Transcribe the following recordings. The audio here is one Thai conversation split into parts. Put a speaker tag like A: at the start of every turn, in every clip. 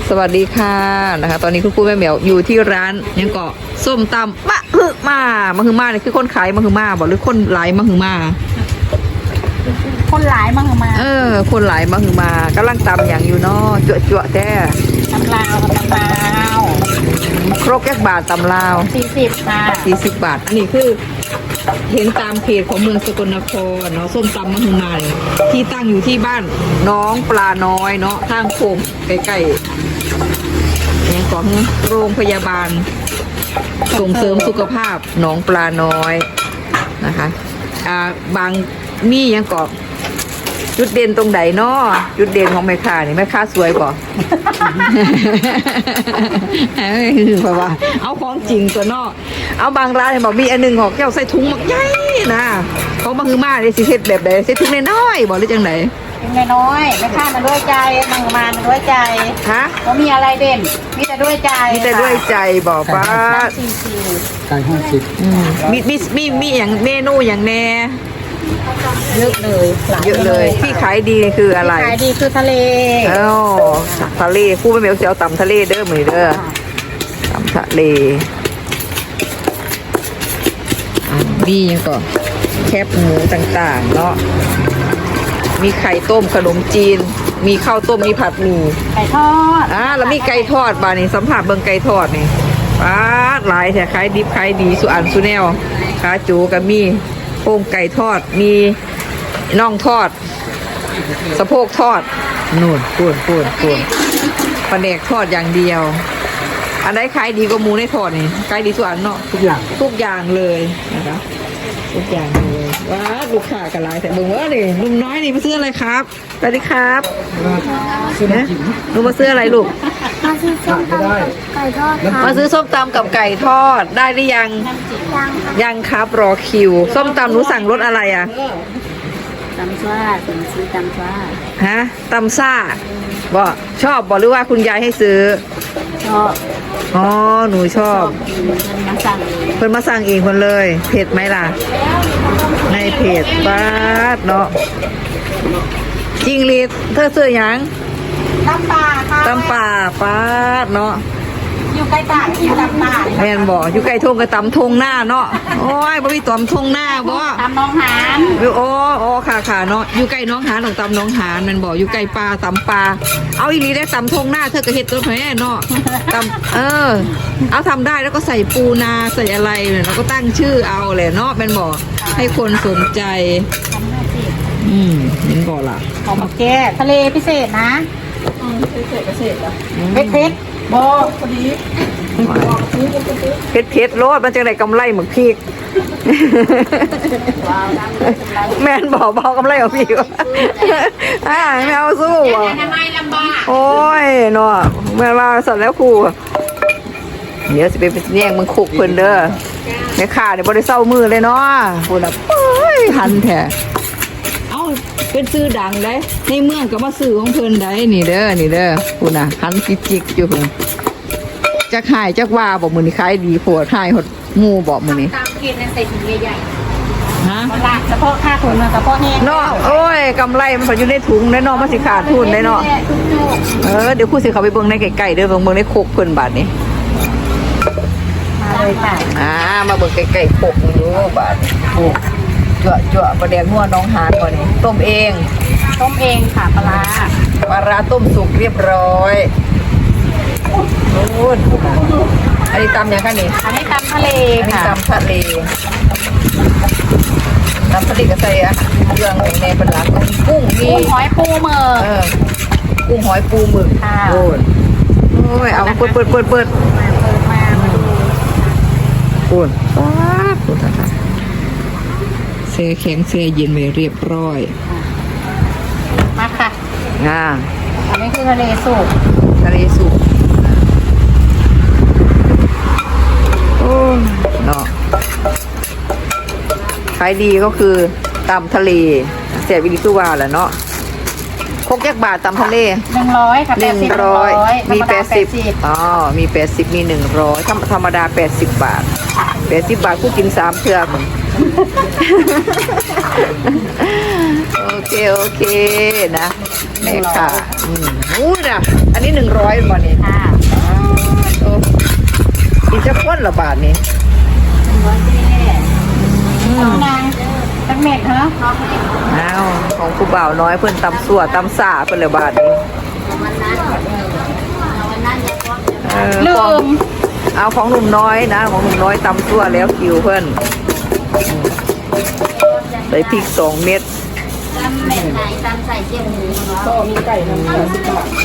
A: สวัสดีค่ะนะคะตอนนี้คุณครูแม่เหมียวอยู่ที่ร้านยังเกาะส้มตำมะฮึมาเนี่ยคือคนขายมะฮึมาบอกหรือคนหลายมะฮึมา
B: คนหลายมั่งมา
A: คนหลายมะฮึมากำลังตำอย่างอยู่เนาะจั่วแท้
B: ตำลาว
A: ครกแก้บาทตำลาว
B: 40ค่ะ
A: 40 บาทอันนี้คือเห็นตามเพจของเมืองสกลนครเนาะส้มตำมะฮึมาเนี่ยที่ตั้งอยู่ที่บ้านน้องปลาน้อยเนาะทางโค้งใกล้ๆเนี่ยของโรงพยาบาลส่งเสริมสุขภาพหนองปลาน้อยนะคะบางมียังกอบจุดเด่นตรงไหนเนาะจุดเด่นของแม่ค้านี่แม่ค้าสวยป่ะเพราะว่าเอาของจริงตัวเนาะเอาบางร้านเนี่ยบอกมีอันนึงออกแก้วใส่ถุงหมักใหญ่นะเขาบางคือมาเลยสิเฮ็ดแบบใดใส่ถุงน้อยๆบอกหรือจังไหน
B: ถุงน้อยแม่ค้ามันด้วยใจมั่งมาด้วยใจ
A: ฮะ
B: เขามีอะไรเด่นมีแต่ด้วยใจ
A: บอกว่า
C: ไก่50
A: มีอย่างเมนูอย่างแน่
B: เยอะเลย
A: ที่ขายดีคืออะไร
B: ขายดีคือทะเล
A: ทะเลคู่ไม่เมียวเสียวตำทะเลเด้อมือเด้อตำทะเลมียังก่อนแคบหมูต่างๆเนาะมีไข่ต้มขนมจีนมีข้าวต้มมีผัดหมี่
B: ไก่ทอด
A: แล้วมีไก่ทอดบานี่สัมผัสเบิ่งไก่ทอดนี่หลายแต่ขายดิบขายดีสุอันสุแนวขาจูกับมีโครงไก่ทอดมีน่องทอดสะโพกทอดนู่นปูนปลาแดกทอดอย่างเดียวอันไหนขายดีกว่าหมูในทอดนี่ขายดีสุอันเนาะทุกอย่างเลยนะคะทุกอย่างเลยว้าลูกค้ากระไรแต่เบิ่งว่านี่ลุงน้อยนี่มาซื้ออะไรครับสวัสดีครับลุงมาซื้ออะไรลูก
D: มาซื้อส้มตำกับไก่ทอดครับ
A: มาซื้อส้มตำกับไก่ทอดได้หรือยังยังครับรอคิวส้มตำหนูสั่งรสอะไรอ่ะ
B: ตำซ่าซื้อตำซ่า
A: ตำซ่าบ่ชอบบอกหรือว่าคุณยายให้ซื้อ
B: ชอบ
A: หนูชอบเพิ่นมาสั่งเองคนเลยเผ็ดไหมล่ะในเพจป้าดเนาะจริงลีเธอซื้อยัง
B: ตำป่าค่ะ
A: ตำป่าป้าดเนาะ
B: อยู่ใกล้ป่าอยู่ตำป่า
A: แม่นบ่อยู่ใกล้ทงกับตำทงหน้าเนาะโอ้ยบ่มีตำทงหน้าบ่
B: ตำน้องหาน
A: โอ้ค่ะเนาะอยู่ใกล้น้องหานของตำน้องหานแม่นบ่อยู่ใกล้ปลาตำปลาเอาอีหลีได้ตำทงหน้าเธอก็เฮ็ดตัวแม่เนาะตำเอาทำได้แล้วก็ใส่ปูนาใส่อะไรเนี่ยเราก็ตั้งชื่อเอาแหละเนาะแม่นบ่ให้คนสนใจเห็นบ่ล่ะ
B: หอมแก้ทะเลพิเศษนะพิเศษเหรอเผ็ดบอพอดี
A: เผ็ดโลดมันจะได้กำไรเหมือนพีกแม่นบอกเบากำไรของพี่วะไม่เอาสู้
B: ทำไมลำบาก
A: โอ้ยเนาะแม่ว่าสัตว์แล้วครูเดี๋ยวสิไปแย่งมึงขุกเพิ่นเด้อแม่ข่าเนี่ยบ่ได้เศร้ามือเลยเนาะพูดแบบหันแท้เป็นซื้อดังได้ในเมืองก็มาซื้อของเพิ่นได้นี่เด้อพูดนะหันจิกอยู่จักหายจักว่าบอกมือนี่ขายดีโผล่หายหดงูบอกมือนี่
B: ตามกินในใส่ถุงใหญ่ๆเฉพาะค่าถุงเฉพาะแห้ง
A: เนาะโอ้ยกำไรมันอยู่ในถุงได้เนาะมันสิขาดทุนได้เนาะเดี๋ยวคู่สิเขาไปเบิ่งในไก่ๆเด้อเบิ่งในโคกเพิ่นบาทนี้
B: มาเลยค่ะ
A: มาเบิ่งไก่ๆโคกดูบาทโอ้จั่วประเดี๋ยวหัวน้องหานก่อนนี่ต้มเอง
B: ค่ะปลา
A: ร้าต้มสุกเรียบร้อยนู่นอันนี้ตำยังไงนี่
B: อันนี้ตำทะเลค่ะ
A: ตำทะเลก็ใส่เครื่องในเป็นหลักกุ้ง
B: หอยปูหมึก
A: กุ้งหอยปูหมึกโอ้ยเอาเปิดมาปูนเซแข็งเซเย็นไปเรียบร้อย
B: มาค่ะอันนี้คือทะเลสุก
A: เนาะขายดีก็คือตำทะเลเสียวิลิสุวาแหละเนาะคกยักบาทตำทะเล
B: 100ค่ะ
A: 100มี80มี80มี100ธรรมดา80 บาท80 บาทกูกิน3 เทื่อมึงโอเคนะแม่ค่ะอู้น่ะอันนี้100บ่นี่
B: ค่ะ
A: โอ้กินจะพ้นละบาทนี้
B: นางตักเม็ดเหรอ
A: อ้าวของผู้บ่าวน้อยเพิ่นตำสั่วตำสาเพิ่นละบาทนี้
B: ลื
A: เออของ
B: ม
A: เอาของหนุ่มน้อยนะของหนุ่มน้อยตำสั่วแล้วคิวเพิ่นใส่พริก2 เม็ด
D: ตำแบบไหนตำใส่เจียวหมูเนาะ
C: ก็มีไก่ทำ10 บาท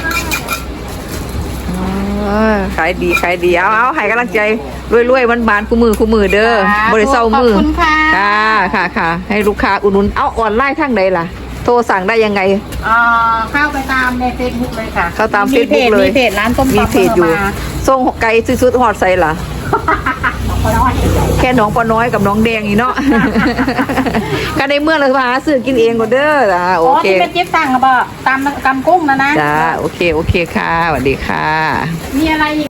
A: ขายดีเอาให้กำลังใจรวยๆมันบานคู่มือเด้อบริเซามือ
B: ขอบคุณค่ะ
A: ค่ะให้ลูกค้าอุดหนุนเอาออนไลน์ทางใดล่ะ โทรสั่งได้ยังไง
B: เข้าไปตามในเฟซบุ๊กเลยค่ะ
A: เข้าตาม Facebook เลย
B: มีเพจร้านต้ม
A: มี
B: ตำ
A: เพจอยู่ส่งไก่ซื้อๆฮอดใส่ล่ะ แค่น้องปอน้อยกับน้องแดงนี่เนาะ ก็ในเมื่อเราหาซื้อกินเองก็เด้อจ้าโอ
B: อ๋อ
A: เค
B: ที่เป็นจิ๊บสั่งอะบ่ตามกุ้งนะ
A: จ้าโอเคค่ะสวัสดีค่ะ
B: มีอะไรอีก